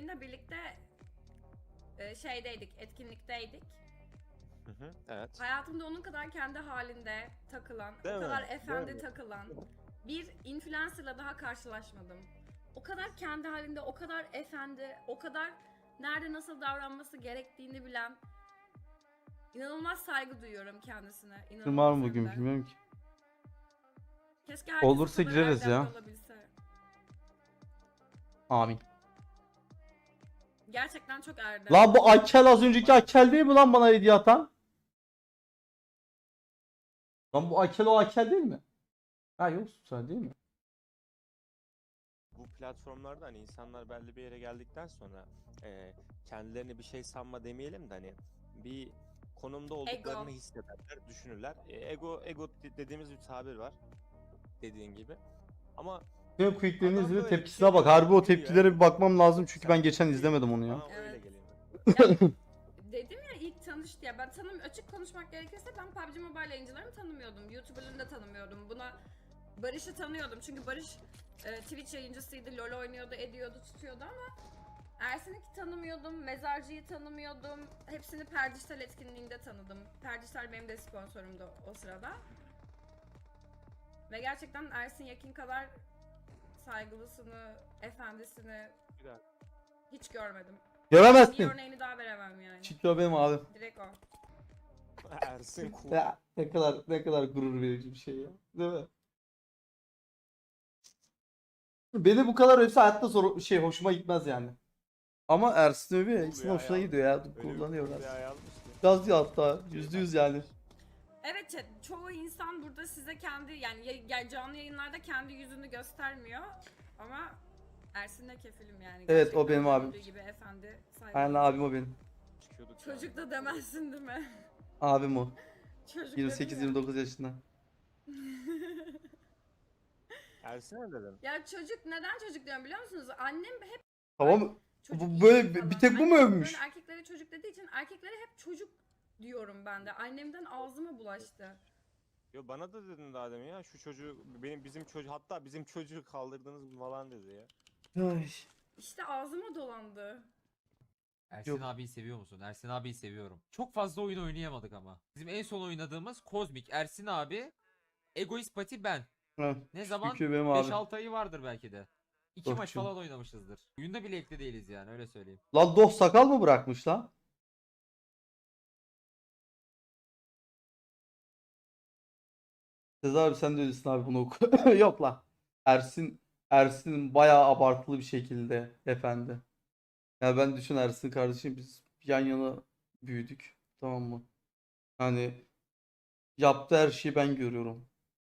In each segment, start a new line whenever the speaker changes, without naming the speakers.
Eren'le birlikte şeydeydik, etkinlikteydik.
Evet.
Hayatımda onun kadar kendi halinde takılan,
Değil
o
mi?
kadar
Değil
efendi
mi?
takılan bir influencer'la daha karşılaşmadım. O kadar kendi halinde, o kadar efendi, o kadar nerede nasıl davranması gerektiğini bilen, inanılmaz saygı duyuyorum kendisine.
Var
İnanılmaz
mı
hem
bugün
de.
bilmiyorum ki.
Keşke herkes
Olursa
o kadar
gireriz
erdemli
ya.
olabilse.
Amin.
Gerçekten çok erdemli.
Lan bu Akel az önceki Akel değil mi lan bana hediye atan? Lan bu Akel o Akel değil mi? Ha yok sen değil mi?
Bu platformlarda hani insanlar belli bir yere geldikten sonra kendilerini bir şey sanma demeyelim de hani bir konumda olduklarını hissederler, düşünürler. Ego dediğimiz bir tabir var. Dediğin gibi. Ama
Tüm quicklerini
adam
izle
böyle bir
tepkisine
şey
bak. Harbi o
giriyor,
tepkilere bir bakmam lazım çünkü
Sen
ben geçen
değil,
izlemedim onu ya.
Bana öyle
Evet.
geliyor.
Dedim ya ilk tanıştı ya, ben açık konuşmak gerekirse ben PUBG Mobile yayıncılarını tanımıyordum. YouTuber'ını da tanımıyordum. Barış'ı tanıyordum çünkü Barış Twitch yayıncısıydı, LoL oynuyordu, ediyordu, tutuyordu ama Ersin'i tanımıyordum, Mezarcı'yı tanımıyordum. Hepsini Perdijital etkinliğinde tanıdım. Perdijital benim de sponsorumdu o sırada. Ve gerçekten Ersin Yekin kadar saygılısını, efendisini
Güzel.
hiç görmedim. Bir
Göremezsin.
örneğini daha veremem yani.
Çiklo benim abim.
Direkt o.
Ersin cool.
Ya ne kadar gurur verici bir şey ya. Değil mi? Beni bu kadar hepsi hayatta hoşuma gitmez yani. Ama Ersin Öbi hepsinin hoşuna gidiyor ya. Kullanıyor
Öyle bir
Ersin.
yazmıştı.
Gaz diyor hatta. %100 yani.
Evet chat, çoğu insan burada size kendi yani canlı yayınlarda kendi yüzünü göstermiyor ama Ersin'le kefilim yani.
Evet, o
Gerçekten
benim abim.
göründüğü gibi efendi, saygılı.
Aynen abim o benim.
Çıkıyorduk
Çocuk
yani.
da demezsin değil mi?
Abim o.
Çocuk dedim ya.
28-29 yaşında.
Ersin ne dedin?
Ya çocuk, neden çocuk diyorum biliyor musunuz? Annem hep
Tamam.
çocuk
Bu böyle
falan.
bir tek bu mu
Annem
övmüş?
böyle erkeklere çocuk dediği için erkeklere hep çocuk diyorum ben de. Annemden ağzıma bulaştı.
Yo bana da dedin daha demin ya şu çocuğu bizim çocuğu hatta bizim çocuğu kaldırdınız mı falan dedi ya.
Ay.
İşte ağzıma dolandı.
Ersin
Yok.
abiyi seviyor musun? Ersin abiyi seviyorum. Çok fazla oyun oynayamadık ama. Bizim en son oynadığımız Kozmik, Ersin abi, Egoist Pati ben.
Ha,
Ne zaman?
Çünkü benim abim.
5-6 ayı vardır belki de. 2 maç
Dostum.
falan oynamışızdır. Oyunda bile ekli değiliz yani öyle söyleyeyim.
Lan Doh sakal mı bırakmış lan? Sezer abi sen de öylesin abi bunu oku. Yok lan. Ersin bayağı abartılı bir şekilde efendi. Yani ben düşün Ersin kardeşim biz yan yana büyüdük. Tamam mı? Hani yaptığı her şeyi ben görüyorum.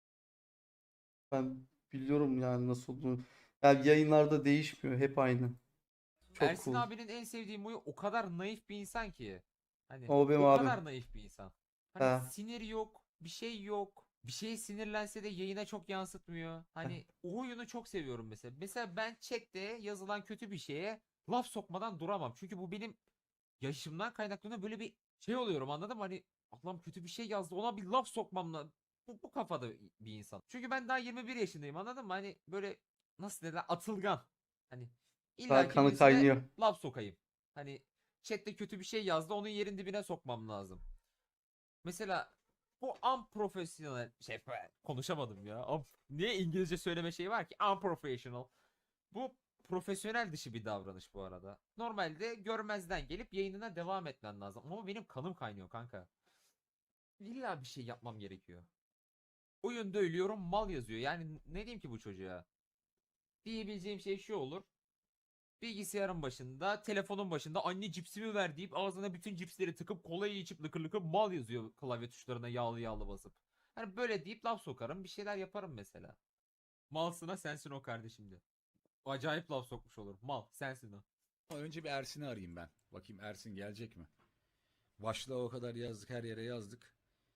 Ben biliyorum yani nasıl olduğunu. Yani yayınlarda değişmiyor. Hep aynı. Çok
Ersin
cool.
abinin en sevdiğim huyu o kadar naif bir insan ki. Hani
O benim
o
abim.
kadar naif bir insan. Hani
He.
sinir yok, bir şey yok. Bir şeye sinirlense de yayına çok yansıtmıyor. Hani o huyunu çok seviyorum mesela. Mesela ben chatte yazılan kötü bir şeye laf sokmadan duramam. Çünkü bu benim yaşımdan kaynaklanıyor. Böyle bir şey oluyorum anladın mı? Hani Allah'ım kötü bir şey yazdı ona bir laf sokmam lazım. Bu kafada bir insan. Çünkü ben daha 21 yaşındayım anladın mı? Hani böyle nasıl derler atılgan. Hani
Daha
illa ki
kanı
birisine
kaynıyor.
laf sokayım. Hani chatte kötü bir şey yazdı onun yerin dibine sokmam lazım. Mesela bu unprofessional konuşamadım ya. Niye İngilizce söyleme şeyi var ki? Unprofessional. Bu profesyonel dışı bir davranış bu arada. Normalde görmezden gelip yayınına devam etmen lazım. Ama benim kanım kaynıyor kanka. İlla bir şey yapmam gerekiyor. Oyunda ölüyorum mal yazıyor. Yani ne diyeyim ki bu çocuğa? Diyebileceğim şey şu olur. Bilgisayarın başında, telefonun başında anne cipsimi ver deyip ağzına bütün cipsleri tıkıp kolayı içip lıkır lıkır mal yazıyor klavye tuşlarına yağlı yağlı basıp. Hani böyle deyip laf sokarım bir şeyler yaparım mesela. Malsına sensin o kardeşim de. Acayip laf sokmuş olur. Mal sensin o.
Önce bir Ersin'i arayayım ben. Bakayım Ersin gelecek mi? Başlığa o kadar yazdık, her yere yazdık.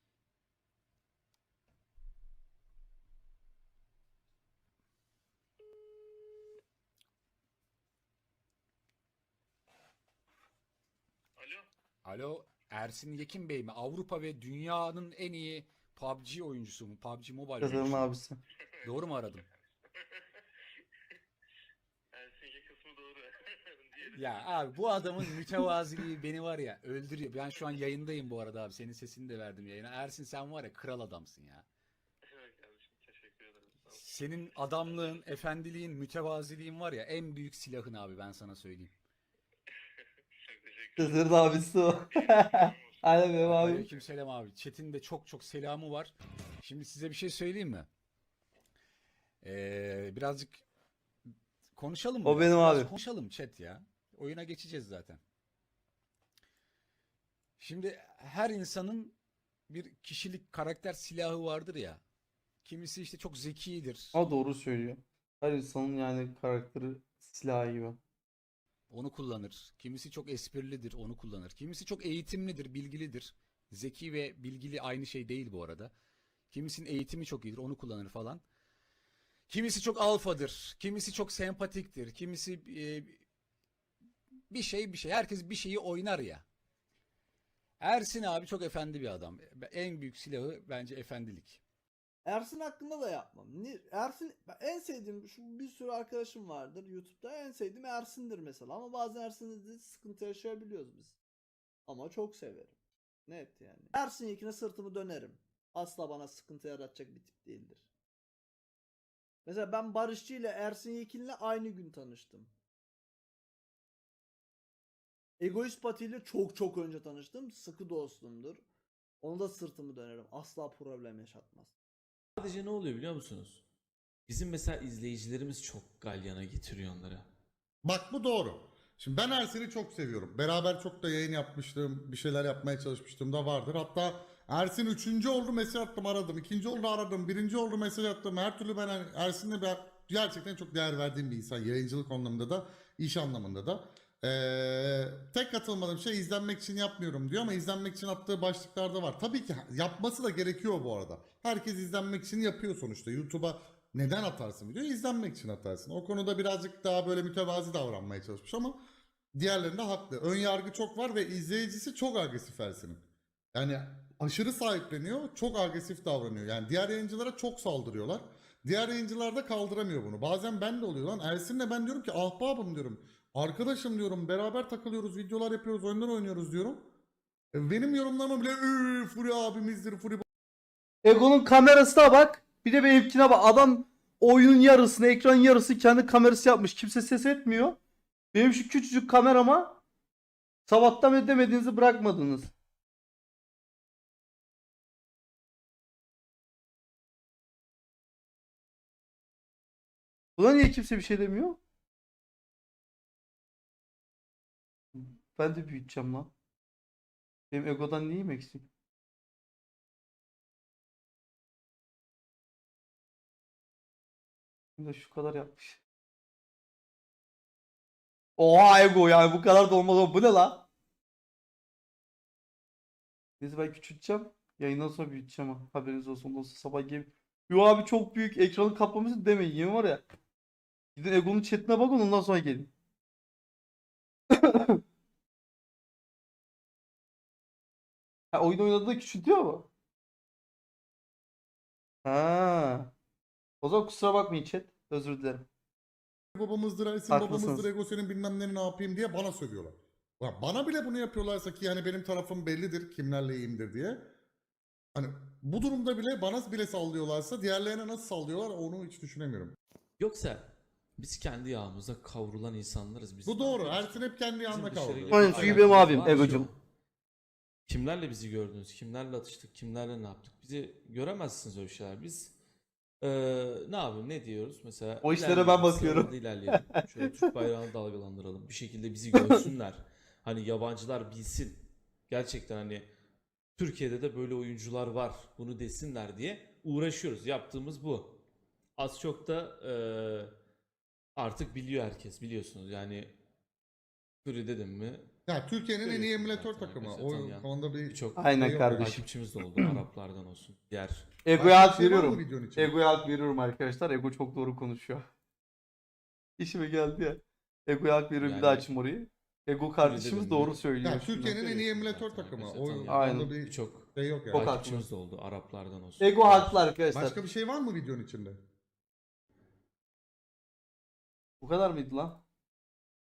Alo.
Alo, Ersin Yekin Bey mi? Avrupa ve dünyanın en iyi PUBG oyuncusu mu? PUBG Mobile
Sezer'in
oyuncusu mu?
abisi.
Doğru mu aradım?
Ersin kısmı doğru.
Ya abi bu adamın mütevaziliği beni var ya öldürüyor. Ben şu an yayındayım bu arada abi. Senin sesini de verdim yayına. Ersin sen var ya kral adamsın ya.
Evet kardeşim, teşekkür ederim. Sağ ol.
Senin adamlığın, efendiliğin, mütevaziliğin var ya en büyük silahın abi ben sana söyleyeyim.
Çok teşekkür ederim.
Sezer'in abisi o. Aynen benim abim.
Aleykümselam abi. Chat'in de çok çok selamı var. Şimdi size bir şey söyleyeyim mi? Birazcık konuşalım mı?
O benim
Biraz
abi.
konuşalım chat ya. Oyuna geçeceğiz zaten. Şimdi her insanın bir kişilik, karakter silahı vardır ya. Kimisi işte çok zekidir.
Ama doğru söylüyor. Her insanın yani karakteri silahı gibi.
Onu kullanır. Kimisi çok esprilidir, onu kullanır. Kimisi çok eğitimlidir, bilgilidir. Zeki ve bilgili aynı şey değil bu arada. Kimisinin eğitimi çok iyidir, onu kullanır falan. Kimisi çok alfadır, kimisi çok sempatiktir, kimisi bir şey. Herkes bir şeyi oynar ya. Ersin abi çok efendi bir adam. En büyük silahı bence efendilik.
Ersin hakkında da yapmam. Ersin en sevdiğim şu bir sürü arkadaşım vardır YouTube'da en sevdiğim Ersin'dir mesela ama bazen Ersin'de de sıkıntı yaşayabiliyoruz biz. Ama çok severim. Net yani. Ersin Yekin'e sırtımı dönerim. Asla bana sıkıntı yaratacak bir tip değildir. Mesela ben Barışçı ile Ersin Yekin'le aynı gün tanıştım. Egoist Pati ile çok önce tanıştım. Sıkı dostumdur. Ona da sırtımı dönerim. Asla problem yaşatmaz.
Sadece ne oluyor biliyor musunuz? Bizim mesela izleyicilerimiz çok galyana getiriyor onları.
Bak bu doğru. Şimdi ben Ersin'i çok seviyorum. Beraber çok da yayın yapmıştım. Bir şeyler yapmaya çalışmıştım da vardır. Hatta Ersin 3. oldu mesaj attım aradım. 2. oldu aradım. 1. oldu mesaj attım. Her türlü ben hani Ersin'le ben gerçekten çok değer verdiğim bir insan. Yayıncılık anlamında da iş anlamında da. Tek katılmadığım şey izlenmek için yapmıyorum diyor ama izlenmek için attığı başlıklarda var. Tabii ki yapması da gerekiyor bu arada. Herkes izlenmek için yapıyor sonuçta. YouTube'a neden atarsın video? İzlenmek için atarsın. O konuda birazcık daha böyle mütevazi davranmaya çalışmış ama diğerlerinde haklı. Ön yargı çok var ve izleyicisi çok agresif Ersin'in. Yani aşırı sahipleniyor, çok agresif davranıyor. Yani diğer yayıncılara çok saldırıyorlar. Diğer yayıncılar da kaldıramıyor bunu. Bazen ben de oluyor lan. Ersin'le ben diyorum ki ahbabım diyorum. Arkadaşım diyorum, beraber takılıyoruz, videolar yapıyoruz, oyunlar oynuyoruz diyorum. Benim yorumlarıma bile Furi abimizdir, Furi
Ego'nun kamerasına bak. Bir de benimkine bak. Adam oyunun yarısını, ekranın yarısı kendi kamerası yapmış. Kimse ses etmiyor. Benim şu küçücük kamerama sabahtan beri demediğinizi bırakmadınız. Buna niye kimse bir şey demiyor? Ben de büyüteceğim lan. Benim Ego'dan neyim eksik? Bir de şu kadar yapmış. Oha Ego yani bu kadar da olmaz o. Bu ne la? Neyse ben küçülteceğim. Yayından sonra büyüteceğim ha. Haberiniz olsun. Ondan sonra sabah gelip yo abi çok büyük ekranı kaplamışsın demeyin. Yemin var ya. Gidin Ego'nun chatine bakın ondan sonra gelin. Ha oyun oynadığında küçültüyor mu? Ha. O zaman kusura bakmayın chat. Özür dilerim.
babamızdır, Ersin
Haklısınız.
babamızdır, Ego senin bilmem ne yapayım diye bana sövüyorlar. Ya bana bile bunu yapıyorlarsa ki yani benim tarafım bellidir, kimlerle iyiyimdir diye. Hani bu durumda bile bana bile sallıyorlarsa diğerlerine nasıl sallıyorlar onu hiç düşünemiyorum.
Yoksa biz kendi yağımıza kavrulan insanlarız. Biz
Bu doğru. Ersin hep kendi
Bizim
yanında
dışarıyla
kaldı.
bir
Aynen, çünkü
alakamız
benim abim,
var mı
Ego'cum.
şu an? Kimlerle bizi gördünüz? Kimlerle atıştık? Kimlerle ne yaptık? Bizi göremezsiniz öyle şeyler. Biz ne yapayım? Ne diyoruz? Mesela
O işlere ben
ilerleyelim,
bakıyorum.
sıralarda ilerleyelim. Şöyle Türk bayrağını dalgalandıralım. Bir şekilde bizi görsünler. Hani yabancılar bilsin. Gerçekten hani Türkiye'de de böyle oyuncular var. Bunu desinler diye uğraşıyoruz. Yaptığımız bu. Az çok da artık biliyor herkes biliyorsunuz. Yani Fury dedim mi?
Ya Türkiye'nin en iyi
Görüyorsunuz
emülatör
zaten
takımı.
arkadaşlar,
O
tanıyan
konuda bir
birçok
Aynen
şey yok
kardeşim.
takipçimiz de oldu. Araplardan olsun. Diğer
Ego'ya hak
Başka bir şey var mı
veriyorum.
videonun içinde?
Ego'ya hak veriyorum arkadaşlar. Ego çok doğru konuşuyor. İşime geldi ya. Ego'ya hak veriyorum bir daha
Yani-
açayım orayı. Ego kardeşimiz
dedim
doğru
mi?
söylüyor.
Ya Türkiye'nin en iyi
Görüyorsunuz
emülatör
zaten
takımı.
arkadaşlar,
O
tanıyan
Aynen.
konuda bir
birçok
şey yok
Çok
yani.
takipçimiz de oldu. Araplardan olsun.
Ego haklı arkadaşlar.
Başka bir şey var mı videonun içinde?
Bu kadar mıydı lan?